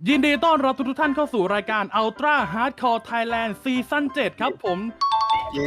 ยินดีต้อนรับทุกท่านเข้าสู่รายการ Ultra Hardcore Thailand ซีซั่น 7 ครับผมเย้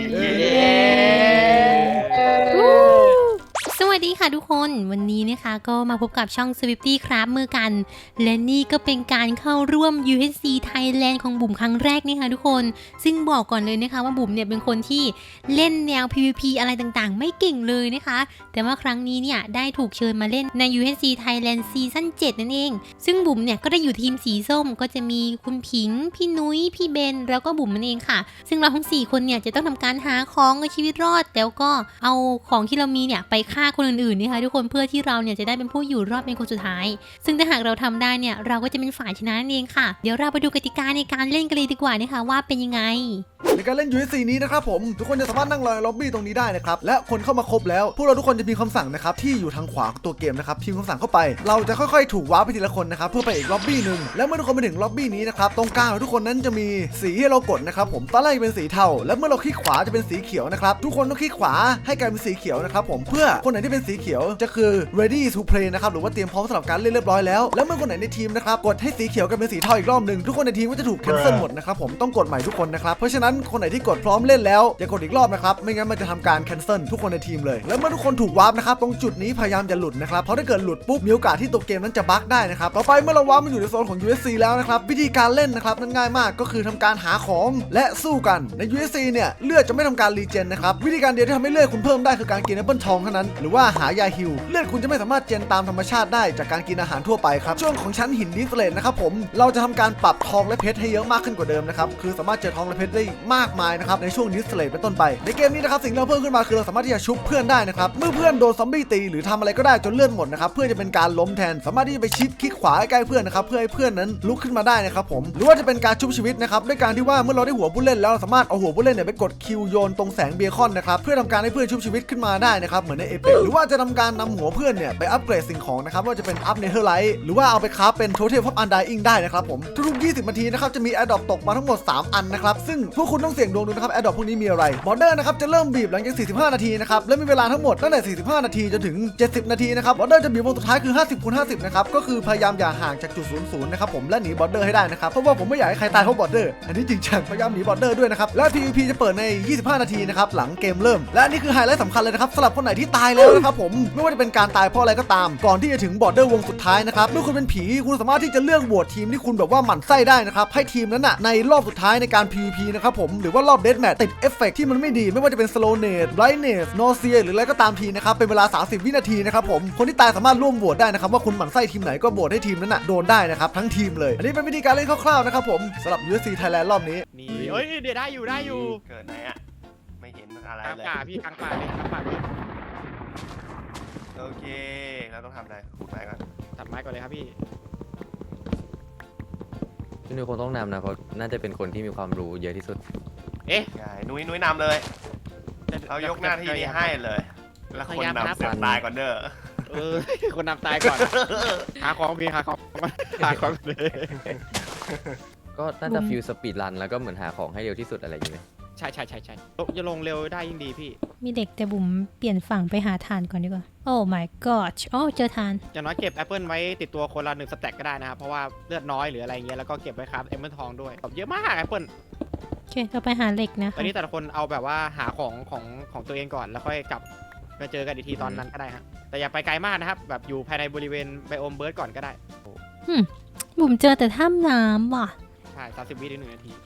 สวัสดีค่ะทุกคนวันนี้นะคะก็มาพบกับช่อง Swifty ครับมือกัน และนี่ก็เป็นการเข้าร่วม UHC Thailand ของบุ๋มครั้งแรกนี่ค่ะทุกคนซึ่งบอกก่อนเลยนะคะว่าบุ๋มเนี่ยเป็นคนที่เล่นแนว PVP อะไรต่างๆไม่เก่งเลยนะคะแต่ว่าครั้งนี้เนี่ยได้ถูกเชิญมาเล่นใน UHC Thailand ซีซั่น 7 นั่นเองซึ่งบุ๋มเนี่ยก็ได้อยู่ทีมสีส้มก็จะมีคุณผิงพี่นุ้ยพี่เบนแล้วก็บุ๋มนั่นเองค่ะซึ่งเราทั้ง4คนเนี่ยจะต้องทำการหาของในชีวิตรอดแล้วก็เอาของที่เรามีเนี่ยไปฆ่าคนอื่นๆนะคะทุกคนเพื่อที่เราเนี่ยจะได้เป็นผู้อยู่รอดเป็นคนสุดท้ายซึ่งถ้าหากเราทำได้เนี่ยเราก็จะเป็นฝ่ายชนะนั่นเองค่ะเดี๋ยวเราไปดูกติกาในการเล่นกันเลยดีกว่านะคะว่าเป็นยังไงในการเล่น UHC นี้นะครับผมทุกคนจะสามารถนั่งรอในล็อบบี้ตรงนี้ได้นะครับและคนเข้ามาครบแล้วพวกเราทุกคนจะมีคำสั่งนะครับที่อยู่ทางขวาของตัวเกมนะครับพิมพ์คำสั่งเข้าไปเราจะค่อยๆถูกว้าร์ปไปทีละคนนะครับเพื่อไปอีกล็อบบี้หนึ่งแล้วเมื่อทุกคนไปถึงล็อบบี้นี้นะครับตรงกลางของทุกคนนั้นจะมีสีให้เรากดนะครับผมตอนแรกจะเป็นสีเทาแล้วเมื่อเราคลิกขวาจะเป็นสีเขียวนะครับทุกคนต้องคลิกขวาให้กลายเป็นสีเขียวนะครับผมเพื่อคนไหนที่เป็นสีเขียวจะคือ ready to play นะครับหรือว่าเตรียมพร้อมสำหรับการเล่นเรียบร้อยแล้วแล้วเมื่อคนไหนในทีมนะครับกดให้สีเขียวกลายเป็นสีเทาอีกรอบหนึ่งทุกคนในทีมก็จะถูก cancel หมดนะครับผมต้องกดใหม่ทุกคนนะครับเพราะฉะนั้นคนไหนที่กดพร้อมเล่นแล้วอย่ากดอีกรอบนะครับไม่งั้นมันจะทำการ cancel ทุกคนในทีมเลยแล้วเมื่อทุกคนถูกวาร์ปนะครับตรงจุดนี้พยายามจะหลุดนะครับเพราะถ้าเกิดหลุดปุ๊บมีโอกาสที่ตัวเกมนั้นจะบั๊กได้นะครับต่อไปเมื่อเราวาร์ปมาอยู่ในโซนของ USC แล้วนะครับวิธีการเล่นนะครับนั้นง่ายมากก็คือทำการหาของและสู้กันใน USC เนี่ยเลือดจะไม่ทำการรีเจนนะครับวิธีการเดียวที่ทำให้เลือดคุณเพิ่มได้คือการกินแอปเปิลทองเท่านั้นหรือว่าหายาฮิลเลือดคุณจะไม่สามารถเจนตามธรรมชาติได้จากการกินอาหารทั่วไปครับช่วงของชั้นหินดิสเลตนะครับผมเราจะทำการปรับทองและเพชรให้เยอะมากขึ้นกว่าเดิมนะครับคือสามารถเจอทองและเพชรได้มากมายนะครับในช่วงดิสเลตเป็นต้นไปในเกมนี้นะครับสิ่งที่เราเพิ่มขึ้นมาคือเราสามารถที่จะชุบเพื่อนได้นะครับเมื่อเพื่อนโดนซอมบี้ตีหรือทำอะไรก็ได้จนเลือดหมดนะครับเพื่อจะเป็นการล้มแทนสามารถที่จะไปชิดคลิกขวาใกล้เพื่อนนะครับเพื่อให้เพื่อนนั้นลุกขึ้นมาได้นะครับผมหรือว่าจะเป็นการชุบชีวิตนะครับด้วยการที่ว่าเมื่อเราได้หัวผู้เล่นแล้วเราสามารถเอาหัวผู้เล่นเนี่ยไปกดคิวโยนตรงแสงเบคอนนะครับเพื่อทำการให้เพื่อนชุบชีวิตขึ้นมาได้นะครับเหมือนในเอเปกหรือว่าจะทำการนำหัวเพื่อนเนี่ยไปอัปเกรดสิ่งของนะครับว่าจะเป็นอัพเนเธอร์ไลท์หรือว่าเอาไปคราฟเป็นโทเทมออฟอันไดอิงได้นะครับผมทุกๆ20นาทีนะครับจะมีแอร์ดรอปตกมาทั้งหมด3อันนะครับซึ่งพวกคุณต้องเสี่ยงดวงดูนะครับแอร์ดรอปพวกนี้มีอะไรบอร์เดอร์นะครับจะเริ่มบีบหลังจาก45นาทีนะครับและมีเวลาทั้งหมดตั้งแต่45นาทีจนถึง70นาทีนะครับบอร์เดอร์จะบีบวงสุดท้ายคือ50x50นะครับก็คือพยายามอย่าห่างจากจุด00นะครับผมและหนีบอร์เดอร์ให้ได้นะครับเพราะว่าผมไม่อยากให้ใครตายเพราะบอร์เดอร์อันนี้จริงจังพยายามหนีบอร์เดอร์ด้วยนะครับและ PVP จะเปิดใน25นาทีนะครับหลังเกมเริ่มและนี่คือไฮไลท์สำคัญเลยนะครับสำหรับคนไหนที่ตายแล้วนะครับผมไม่ว่าจะเป็นการตายเพราะอะไรก็ตามก่อนที่จะถึงบอร์เดอร์วงสุดท้ายนะครับเมื่อคุณเป็นผีคุณสามารถที่จะเลือกโหวตทีมที่คุณแบบว่าหมั่นไส้ได้นะครับให้ทีมนั้นน่ะในรอบสุดท้ายในการ PVP นะครับผมหรือว่ารอบเดธแมทติดเอฟเฟกต์ที่มันไม่ดีไม่ว่าจะเป็น slowness brightness nausea หรืออะไรก็ตามทีนะครับเป็นเวลา30วินาทีนะครับผมคนที่ตายสามารถร่วมโหวตได้นะครับว่าคุณหมั่นไส้ทีมไหนก็โหวตให้ทีมนั้นน่ะโดนได้นะครับทั้งทีมเลยอันนี้เป็นวิธีการเล่นคร่าวๆนะครับผมสำหรับ USC Thailand รอบนี้นี่เอ้ยเดี๋ยวได้อยู่เกิดไหนอะไม่เห็นอะไรกลางเลยป่าพี่กลางป่าเลยกลางป่าเลยโอเคเราต้องทำอะไรขุดไม้ก่อนตัดไม้ก่อนเลยครับพี่พี่นุ้ยคงต้องนำนะเพราะน่าจะเป็นคนที่มีความรู้เยอะที่สุดเอ๊ะใช่นุ้ยนำเลยเรายกหน้าที่นี้ให้เลยแล้วคนนำเสือกตายก่อนเด้อคนนำตายก่อนหาของพี่หาของเลยก็น่าจะฟิลสปีดรันแล้วก็เหมือนหาของให้เร็วที่สุดอะไรอย่างเงี้ยใช่จะลงเร็วได้ยิ่งดีพี่มีเด็กแต่บุ๋มเปลี่ยนฝั่งไปหาทานก่อนดีกว่าโอ้ my god โอ้เจอทานอย่างน้อยเก็บแอปเปิลไว้ติดตัวคนละ1สแต็กก็ได้นะครับเพราะว่าเลือดน้อยหรืออะไรเงี้ยแล้วก็เก็บไว้ครับแอปเปิลทองด้วยเยอะมากแอปเปิลโอเคเราไปหาเหล็กนะตอนนี้แต่ละคนเอาแบบว่าหาของตัวเองก่อนแล้วค่อยกลับมาเจอกันอีกทีตอนนั้นก็ได้ฮะแต่อย่าไปไกลมากนะครับแบบอยู่ภายในบริเวณไบโอมเบิร์ดก่อนก็ได้บุ๋มเจอแต่ถ้ำน้ำว่ะใช่30 วิถึง1 นาที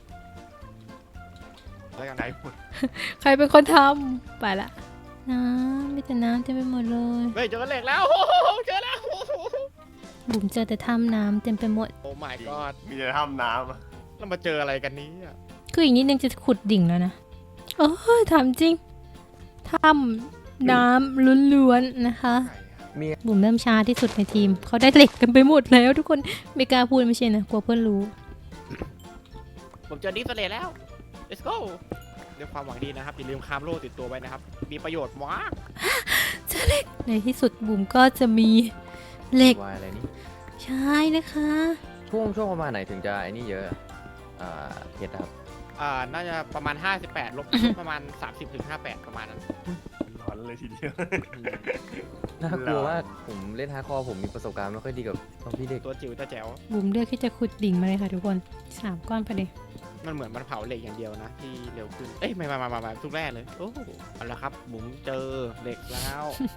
แล้วกันไหนพูดใครเป็นคนทำไปละน้ำมีแต่น้ำเต็มไปหมดเลยเฮ้ยเจอเหล็กแล้วเจอแล้วบุ๋มเจอแต่ถ้ำน้ำเต็มไปหมดโอ้ my god มีแต่ถ้ำน้ำเรามาเจออะไรกันนี้อ่ะคืออีกนิดนึงจะขุดดิ่งแล้วนะโอ้ยถามจริงถ้ำน้ำล้วนๆนะคะบุ๋มเริ่มช้าที่สุดในทีมเขาได้เหล็กกันไปหมดแล้วทุกคนไม่กล้าพูดไม่ใช่นะกลัวเพื่อนรู้ผมเจอดิสเลย์แล้ว let's go ด้วยความหวังดีนะครับอย่าลืมคามโล่ติดตัวไว้นะครับมีประโยชน์มากเจอเหล็กในที่สุดบุ๋มก็จะมีเหล็กวายอะไรนี่ใช่นะคะช่วงประมาณไหนถึงจะไอ้นี่เยอะเพชรครับน่าจะประมาณ58ลบประมาณ30 ถึง 58ประมาณนั้นรออนเลยทีเดียวน่ากลัวมากผมเล่นฮาร์ดคอร์ผมมีประสบการณ์ไม่ค่อยดีกับซอมบี้เด็กตัวจิ๋วตัวแจ๋วบุ๋มเลือกที่จะขุดดิ่งมาเลยค่ะทุกคน3 ก้อนพอดีมันเหมือนมันเผาเหล็กอย่างเดียวนะที่เร็วขึ้นเอ้ยไม่มาทุกแร่เลยโอ้เอาละครับบุ๋มเจอเหล็กแล้ว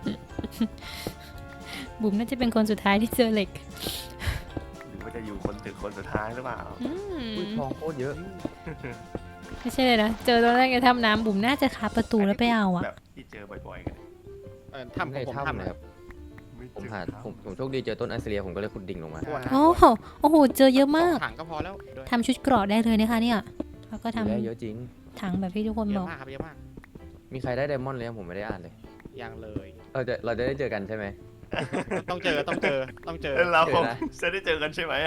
บุ๋มน่าจะเป็นคนสุดท้ายที่เจอเหล็กหรือว่าจะอยู่คนสุดท้ายหรือเปล่าอุ้ยทองโคตรเยอะไม่ใช่เลยนะ เจอตอนแรกในถ้ำน้ำบุ๋มน่าจะคาประตูแล้วไปเอาอะแบบที่เจอบ่อยๆกันทำของผมในถ้ำทำนะนะครับผมหาผมโชคดีเจอต้นอันเซเลียผมก็เลยขุดดิ่งลงมาโอ้โหโอ้โห เจอเยอะมากถังก็พอแล้วด้วยทำชุดเกราะได้เลยนะคะเนี่ยแล้วก็ทได้เยอะจริงำถังแบบที่ทุกคนเยบออะกมากครับเยอะมากมีใครได้ไดมอนด์เลยยังผมไม่ได้อ่านเลยยังเลยเราจะได้เจอกันใช่ไหมต้องเจอเราเจอนะจะได้เจอกันใช่ไหม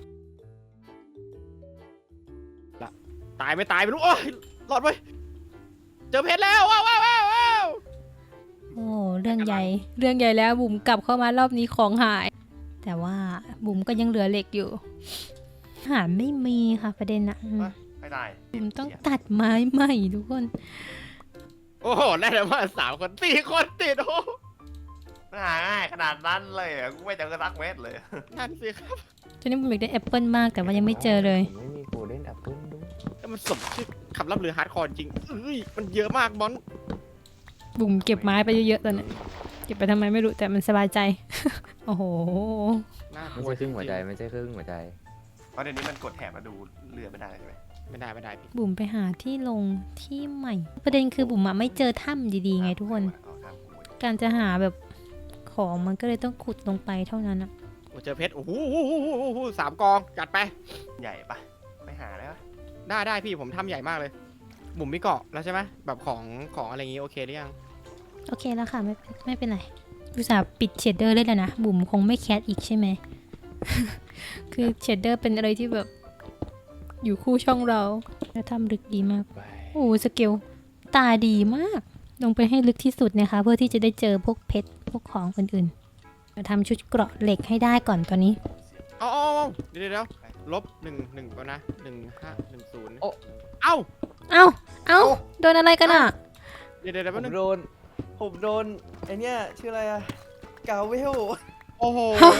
ตายไม่ตายไม่รู้โอ้ยหลอดไปเจอเพชรแล้วว้าวโอ้เรื่องใหญ่แล้วบุ๋มกลับเข้ามารอบนี้ของหาย แต่ว่าบุ๋มก็ยังเหลือเหล็กอยู่หาไม่มีค่ะประเด็นอะอืมไม่ได้บุ๋มต้องตัดไม้ใหม่ทุกคนโอ้โหได้เลยว่า3 คน4 คนติดโอ้มันหาง่ายขนาดนั้นเลยกูไม่เจอสักเม็ดเลยนั่นสิครับตอนนี้บุ๋มอยากได้แอปเปิลมากแต่ว่ายังไม่เจอเลยผมไม่มีโกลเด้นแอปเปิลด้วยแล้วมันสมชื่อคำล่ำลือฮาร์ดคอร์จริงเอ้ยมันเยอะมากบอลบุ๋มเก็บไม้ไปเยอะๆตอนนี้เก็บไปทำไมไม่รู้แต่มันสบายใจ โอ้โหน่ากไม่ลัวใช่ครึ่งหัวใจไม่ใช่ครึ่งหัวใจเพราะเดี๋ยวนี้มันกดแถบมาดูเรือไม่ได้ใช่ไหมไม่ได้พี่บุ๋มไปหาที่ลงที่ใหม่ ประเด็นคือบุ๋มอะไม่เจอถ้ำดีๆไงทุกคน การจะหาแบบของมันก็เลยต้องขุดลงไปเท่านั้นอะโอ้เจอเพชรโอ้โห3 กองจัดไปใหญ่ปะไม่หาได้ปะได้พี่ผมทำใหญ่มากเลยบุ๋มมีเกาะแล้วใช่ไหมแบบของอะไรอย่างงี้โอเคหรือยังโอเคแล้วค่ะไม่เป็นไรอุตส่าห์ปิดเชดเดอร์เลยแล้วนะบุ๋มคงไม่แคสอีกใช่ไหม คือเชดเดอร์เป็นอะไรที่แบบอยู่คู่ช่องเราแล้วทำลึกดีมากโอ้สเกลตาดีมาก ลงไปให้ลึกที่สุดนะคะ เพื่อที่จะได้เจอพวกเพชรพวกของอื่นๆมาทำชุดเกราะเหล็กให้ได้ก่อนตอนนี้เอาเดี๋ยวลบ1ก่อนนะ1510 โอ้เอ้าเอ้าโดนอะไรกันอ่ะเดี๋ยวผแป๊บมนึงโดนไอเนี้ยชื่ออะไรอะกาเวลโอ้โห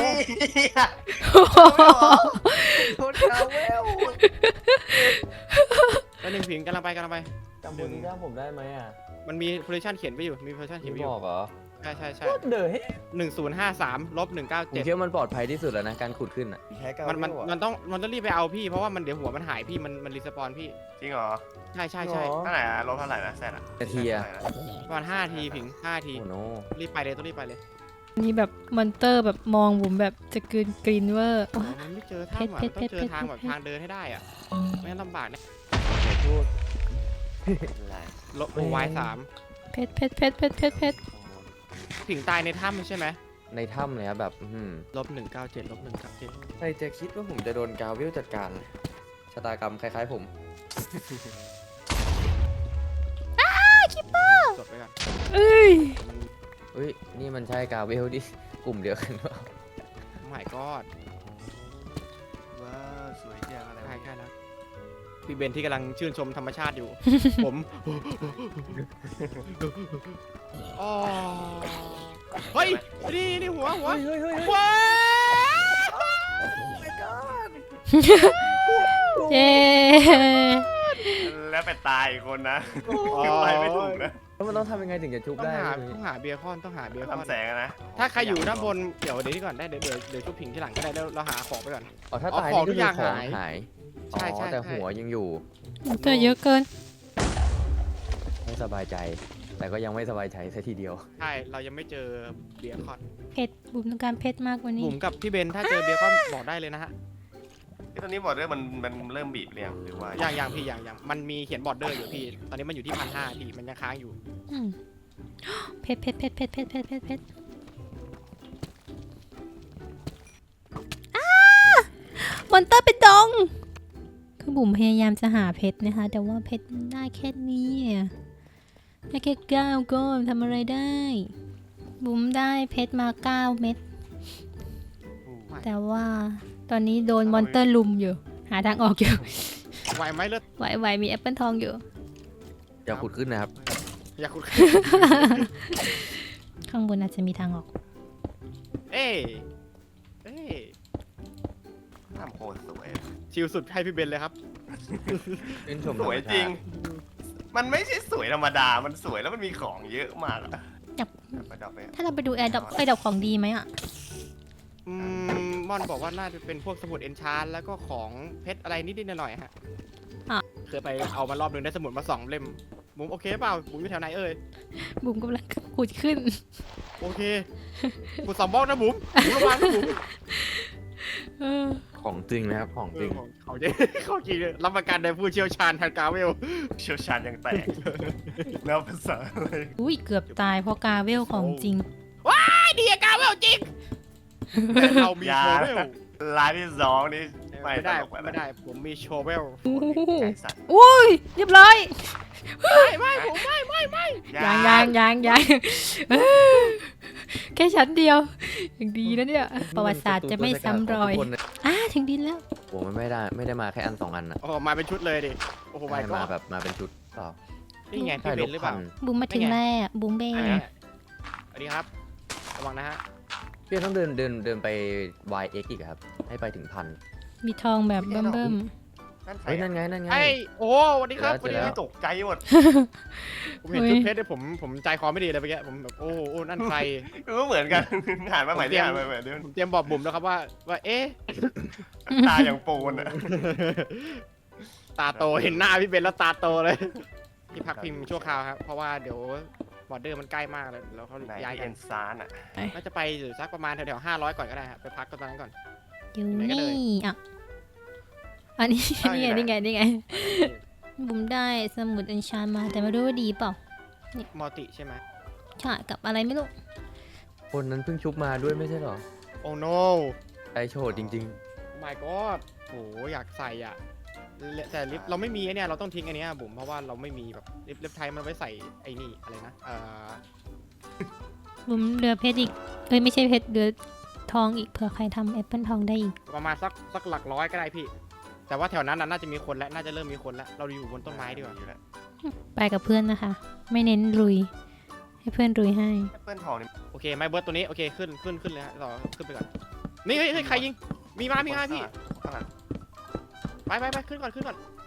โดนกาเวลแล้ว1 ผิงกำลังไปจำบนนี้ได้ผมได้ไหมอ่ะมันมีโพซิชันเขียนไว้อยู่มีโพซิชันเขียนไม่ไว้อบ ยู่อกเหรอใช่โคตรเดอะเฮ้ 1053ลบผม 197 คิดว่ามันปลอดภัยที่สุดแล้วนะการขุดขึ้นอ่ะแพ้กาเวมันลอะมันต้องรีบไปเอาพี่เพราะว่ามันเดี๋ยวหัวมันหายพี่มันรีสปอนพี่จริงเหรอใช่หรอเท่าไหร่อะลบเท่าไหร่นะแซดอะนาทีอะประมาณ5 ทีผิง5 ทีโอ้โนรีบไปเลยต้องรีบไปเลยมีแบบมอนเตอร์แบบมองบุ๋มแบบจะกรีนเวอร์มันไม่เจอถ้ำอ่ะเพมันชรต้องเจอเพชรทางแบบเพชรทางเดินให้ได้อ่ะไม่งั้นลำบากนะพูดอะไรลบวาย3 เพชรผิงตายในถ้ำใช่ไหมในถ้ำเลยครับแบบลบ197ลบ197 ใครจะคิดว่าผมจะโดนกาเวลจัดการชะตากรรมคล้ายๆผมจดไปก่อนเอ้ยเฮ้ยนี่มันใช่กาเวลที่กลุ่มเดียวกันเปล่าไม่กอดว้าวสวยจังอะไรใช่แล้วพี่เบนที่กำลังชื่นชมธรรมชาติอยู่ ผมอ๋อเฮ้ยนี่หัวว้าเย้แล้วไปตายอีกคนนะไปไม่ถูกนะแล้วมันต้องทำยังไงถึงจะชุบต้องได้หาเบียร์คอนต้องหาเบียร์คอนทำแสงอะนะถ้าใครอยู่ด้านบนเดี๋ยวนี้ก่อนได้เดี๋ยวชุบผิงที่หลังก็ได้แล้วเราหาของไปก่อนอ๋อถ้าเอาตายของนี่ทุก็กคืออย่างของหายหายใช่อ๋อแต่หัวยังอยู่เจอเยอะเกินไม่สบายใจ แต่ก็ยังไม่สบายใจซะทีเดียวใช่เรายังไม่เจอเบียร์คอนเพชรบุ๋มต้องการเพชรมากกว่านี้บุ๋มกับพี่เบนถ้าเจอเบียร์คอนบอกได้เลยนะฮะตอนนี้บอร์เดอร์มันเริ่มบีบเรียงหรือว่าอย่างพี่อย่างมันมีเขียนบอร์เดอร์อยู่พี่ตอนนี้มันอยู่ที่1,500พี่มันยังค้างอยู่อืมเพชรมอนเตอร์เป็นดง คือบุ๋มพยายามจะหาเพชรนะคะ แต่ว่าเพชรมันได้แค่นี้อะได้แค่9ก้อนทำอะไรได้ บุ๋มได้เพชรมา9 เม็ด แต่ว่าตอนนี้โดนมอนเตอร์ลุมอยู่ หาทางออกอยู่ไหวไหมเลือดไหวมีแอปเปิลทองอยู่อย่าขุดขึ้นนะครับอย่าขุดข้างบนอาจจะมีทางออกเอ้ยทำโคตรสวยชิลสุดให้พี่เบนเลยครับชื่นชมสวยจริง มันไม่ใช่สวยธรรมดา มันสวยแล้วมันมีของเยอะมากอะอยากประดับไปถ้าเราไปดูแอร์ดอกของดีไหมอ่ะม่อนบอกว่าน่าจะเป็นพวกสมุดเอนชานแล้วก็ของเพชรอะไรนิดๆหน่อยๆฮะอ่ะเคยไปเอามารอบนึงได้สมุดมา2 เล่มบุ๋มโอเคเปล่าบุ๋มอยู่แถวไหนเอ่ยบุ๋มกำลังขุดขึ้นโอเคบุ๋ม2 บล็อกนะบุ๋มระวังนะบุ๋มของจริงนะครับของจริงเขาจริงเขาจริงรับประกันโดยผู้เชี่ยวชาญทางกาเวลเชี่ยวชาญยังแตกแล้วภาษาอะไรอุ้ยเกือบตายเพราะกาเวลของจริงไอ้ดีอะกาเวลจริงเรามีโชเวลลายที่2นี่ไม่ไม่ได้ตลกปไม่ได้ผมมีโชเวลไก่สัตว์อุ้ยเรียบร้อยไม่ผมไม่ยังแค่ชั้นเดียวอย่างดีนะเนี่ย ประวัติศาสตร์จะไม่ซ้ำรอยทุกคนนะถึงดินแล้วผมไม่ได้มาแค่อัน2 อันนะโอ้มาเป็นชุดเลยดิโอ้โหไม่ได้ก็มาแบบมาเป็นชุดเปล่านี่ไงใช่พี่ลเบนหรือบเปพัล่านบุ๋มมาถึงแล้วบุ๋มเบอันนนี้สวัสดีครับระวังนะฮะพี่ต้องเดินไป YX อีกอะครับ ให้ไปถึง 1,000 มีทองแบบเบิ่มนั่นใครเฮ้ยนั่นไงไอ้โอ้สวัสดีครับสวัสดีครับตกใจหมดผมเห็นชุดเพชรเนี่ยผมใจคอไม่ดีเลยเมื่อกี้ผมแบบโอ้นั่นใครก็เหมือนกันหันมาใหม่ดิหันมาใหม่ดิผมเตรียมบอกบุ๋มแล้วครับว่าเอ๊ะตาอย่างปูนอะตาโตเห็นหน้าพี่เบนแล้วตาโตเลยที่พักพิมพ์ชั่วคราวครับเพราะว่าเดี๋ยวบอร์เดอร์มันใกล้มากเลยแล้วเขาไหนย้ายกัเอ็นนซานอะน่าจะไปอยู่สักประมาณแถวๆ500ก่อนก็ได้ครับไปพักตอนนั้นก่อนๆอยู่ไหนก็เลยนี่อ่ะอันนี้นี่ไงบุ๋มได้สมุดอัญชันมาแต่ไม่รู้ว่าดีเปล่ามัลติใช่ไหมใช่กับอะไรไม่รู้คนนั้นเพิ่งชุบมาด้วยไม่ใช่เหรอโอ้ no ไอโชดจริง my god โหอยากใส่อ่ะแต่ลิฟต์เราไม่มีไอ้เนี่ยเราต้องทิ้งอันเนี้ยบุ๋มเพราะว่าเราไม่มีแบบลิฟต์ไทยมันไว้ใส่ไอ้นี่อะไรนะบุ๋มเรือเพชรอีกไม่ใช่เพชรเรือทองอีกเผื่อใครทำแอปเปิลทองได้อีกประมาณสักหลักร้อยก็ได้พี่ แต่ว่าแถวนั้นน่าจะมีคนแล้วน่าจะเริ่มมีคนแล้วเราอยู่บนต้นไม้ดีกว่าอยู่แล้วไปกับเพื่อนนะคะ ไม่เน้นลุย ให้เพื่อนลุยให้แอปเปิลทองนี่โอเคไม้เบิร์ดตัวนี้โอเคขึ้นเลยฮะต่อขึ้นไปก่อนนี่เฮ้ยใครยิงมีมาพี่ข้างหลังไปขึ้นก่อน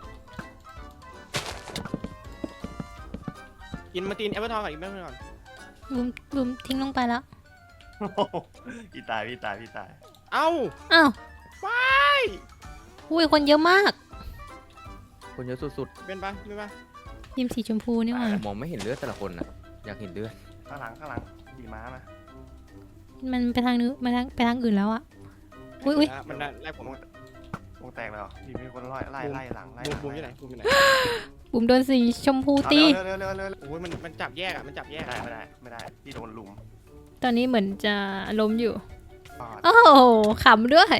กินมาตีนแอปเปิลทองก่อนอีกแป๊บนึงก่อนบุ๋มทิ้งลงไปแล้วโอ้โหพี่ตายเอ้าอ้าวไปอุ้ยคนเยอะมากๆ คนเยอะสุดเป็นปะยิมสีชมพูนี่หว่าๆ มองไม่เห็นเลือดแต่ละคนนะอยากเห็นเลือดข้างหลังขี่ม้ามามันไปทางนู้นไปทางอื่นแล้วอะ อุ๊ยมันไล่ผมวงแตกแล้วพี่มีคนไล่หลังไล่บูมอยู่ไหนบูมอยู่ไหนบุ๋มโดนสีชมพูตีเร็วโอ้ยมันจับแยกอ่ะมันจับแยกไม่ได้พี่โดนลุมตอนนี้เหมือนจะล้มอยู่ปาดโอ้โหขำด้วย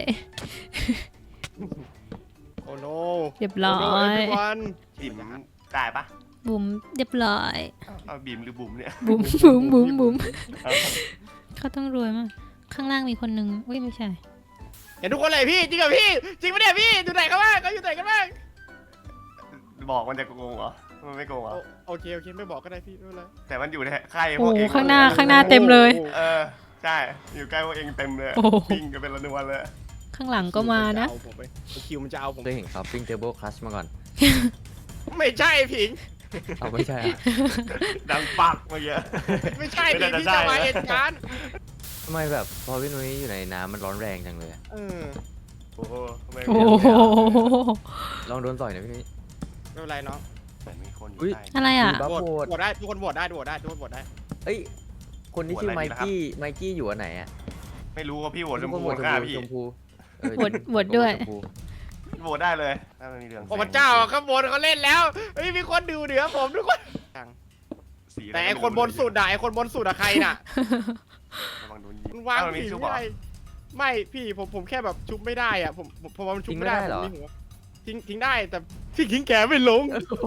โอ้โนเรียบร้อยวันบิ่มได้ปะบุ๋มเรียบร้อยเอาบิ่มหรือบุ๋มเนี่ยบุ๋มเขาต้องรวยมาก ข้างล่างมีคนหนึ่งอุ้ยไม่ใช่เห็นทุกคนเลยพี่จริงเหรอพี่จริงปะเนี่ยพี่อยู่ไหนกันบ้างเขาอยู่ไหนกันบ้างบอกมันจะโกงเหรอมันไม่โกงเหรอโอเคไม่บอกก็ได้พี่ไม่เป็นไรแต่มันอยู่ในค่ายพโอ้วกโหเองข้างหน้าเต็มเลยใช่อยู่ใกล้พวกเองเต็มเลยโอ้โหปิ้งกันเป็นระนวนเลยข้างหลังก็มานะคิวมันจะเอาผมเคยเห็นเขาปิ้งเทเบิลคลัชมาก่อนไม่ใช่ผิงเอาไม่ใช่อะดังปักเมื่อกี้ไม่ใช่ไม่ผิงน่าจะที่จะมาใช่นะเหตุการณ์ทำไมแบบพอพี่นุ้ยอยู่ในน้ำมันร้อนแรงจังเลยอะโอ้โหไม่โอ้โหลองโดนต่อยหน่อยพี่นุ้ยไม่เป็นไรเนาะเหมือนมีคนอยู่อุ๊ยใต้อะไรอ่ะบัฟโหโหววตตได้ทุกคนโหวตได้ทุกคนโหวตได้เอ้ยคนที่ชื่อไมกี้อยู่อันไหนอะไม่รู้ว่าพี่โหวตชมทุกพูคนโหวตฆ่าพี่ชมพูเออโหวตด้วยชมพูโหวตได้เลยถ้ามันมีเรื่องโอ้พระเจ้าข้างบนเขาเล่นแล้วเฮ้ยมีคนดูเหนือผมทุกคนสีะรแต่ไอคนบนสุดอะไอคนบนสุดอะใครน่ะระวังโดนยิงมันวางมันมีผีชุบไม่เหรอได้ไม่พี่ผมแค่แบบชุบไม่ได้อะผมว่ามันชุบไม่ได้ผมมีหัวทิ้งได้แต่ที่ทิ้งแกไม่ลง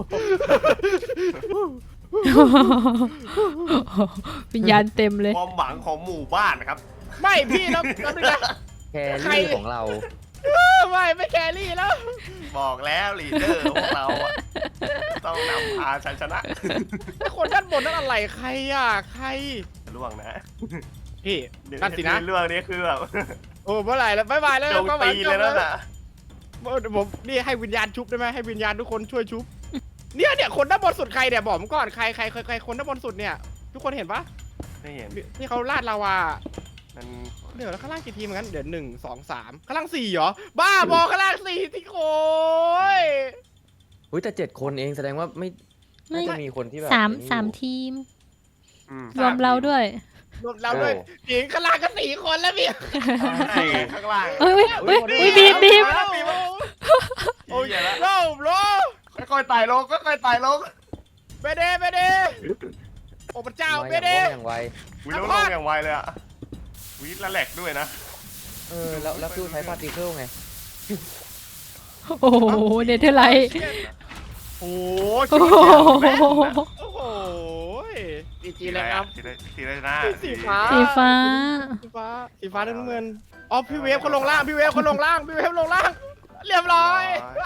วิญญาณเต็มเลยความหวังของหมู่บ้านครับไม่พี่แล้วนึงนะแครี่ของเราไม่แครี่แล้วบอกแล้วลีดเดอร์พวกเราอะต้องนำพาชัยชนะไอ้คนด้านบนนั่นอะไรใครอ่ะใครล่วงนะพี่นั่นสินะล่วงนี่คือแบบโอ้เมื่อไหร่แล้วบ๊ายบายแล้วโจมตีเลยนั่นน่ะผมนี่ให้วิญญาณชุบได้ไหมให้วิญญาณทุกคนช่วยชุบเนี่ยคนด้านบนสุดใครเนี่ยบอกผมก่อนใครคนด้านบนสุดเนี่ยทุกคนเห็นปะไม่เห็นที่เขาลาดลาวามันเดี๋ยวแล้วข้างล่างกี่ทีมงั้นเดี๋ยว1 2 3ข้างล่าง4เหรอบ้าบอข้างล่าง4ที่โค้ยอุ้ยแต่7 คนเองแสดงว่าไม่น่าจะมีคนที่แบบสามทีมอืมรวมเราด้วยรวมเราด้วยหญิงข้างล่างก็4 คนแล้วพี่สี่ข้างล่างเอ้ยบีบโอ้ยเหี้ยละโล่ค่อยๆไต่ลงค่อยๆไต่ลงเบเดโอ้พระเจ้าเบเดอย่างไววิลลงอย่างไวเลยอะวิละแหลกด้วยนะแล้วคือใช้พาร์ติเคิลไงโอ้โหเนเธอร์ไลท์โอ้โอ้โหโอ้โหดีจีเลยครับสีอะไรนะสีฟ้าสีฟ้าสีฟ้าน้ำเงินอ๋อพี่เวฟเขาลงล่างพี่เวฟลงล่างเรียบร้อย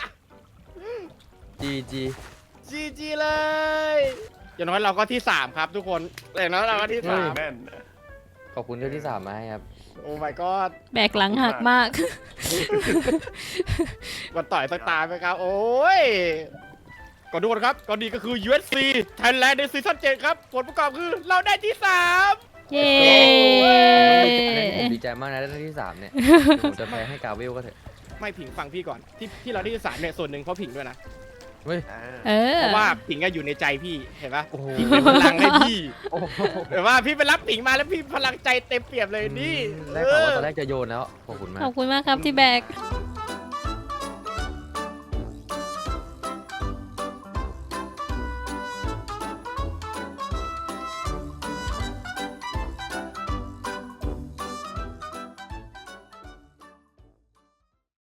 GG จีเลยอย่างน้อยเราก็ที่3ครับทุกคนอย่างน้อยเราก็ที่เฮ้ยแม่นขอบคุณที่3มาให้ครับ 3โอ้ my god แบกหลังหักมากวันต่อยสักตาไหมครับ โอ้ยก่อนทุกคนครับก่อนดีก็คือ USC Thailand ในซีซั่น7ครับผลประกอบคือเราได้ที่ 3 เย้ผมดีใจมากนะได้ที่3เนี่ยผมจะแพ้ให้กาเวลก็เถอะไม่ผิงฟังพี่ก่อนที่เราได้ที่3เนี่ยส่วนหนึ่งเพราะผิงด้วยนะเฮ้ยเออเพราะว่าผิงก็อยู่ในใจพี่เห็นปะโอ้โหผิงเป็นพลังให้พี่โอ้โหเห็นว่าพี่ไปรับผิงมาแล้วพี่พลังใจเต็มเปี่ยมเลยนี่ได้ข่าวว่าตอนแรกจะโยนแล้ว ขอบคุณมากขอบคุณมากครับที่แบกเ